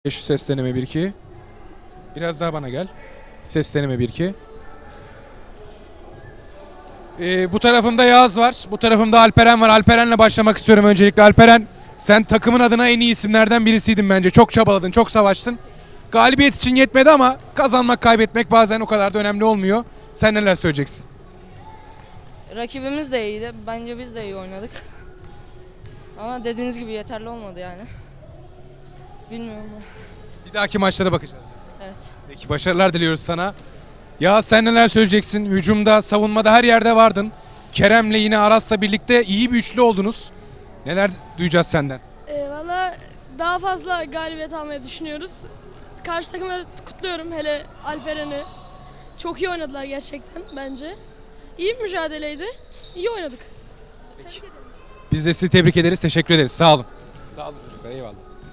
Ses deneme 1-2. Biraz daha bana gel. Ses deneme 1-2. Bu tarafımda Yağız var. Bu tarafımda Alperen var. Alperen'le başlamak istiyorum öncelikle. Alperen, sen takımın adına en iyi isimlerden birisiydin bence. Çok çabaladın, çok savaştın. Galibiyet için yetmedi ama kazanmak, kaybetmek bazen o kadar da önemli olmuyor. Sen neler söyleyeceksin? Rakibimiz de iyiydi. Bence biz de iyi oynadık. Ama dediğiniz gibi yeterli olmadı yani. Bilmiyorum. Bir dahaki maçlara bakacağız. Evet. Peki, başarılar diliyoruz sana. Ya sen neler söyleyeceksin? Hücumda, savunmada her yerde vardın. Kerem'le yine Aras'la birlikte iyi bir üçlü oldunuz. Neler duyacağız senden? Valla daha fazla galibiyet almayı düşünüyoruz. Karşı takımı kutluyorum, hele Alperen'i. Çok iyi oynadılar gerçekten bence. İyi bir mücadeleydi. İyi oynadık. Tebrik ederim. Biz de sizi tebrik ederiz, teşekkür ederiz. Sağ olun. Sağ olun çocuklar, eyvallah.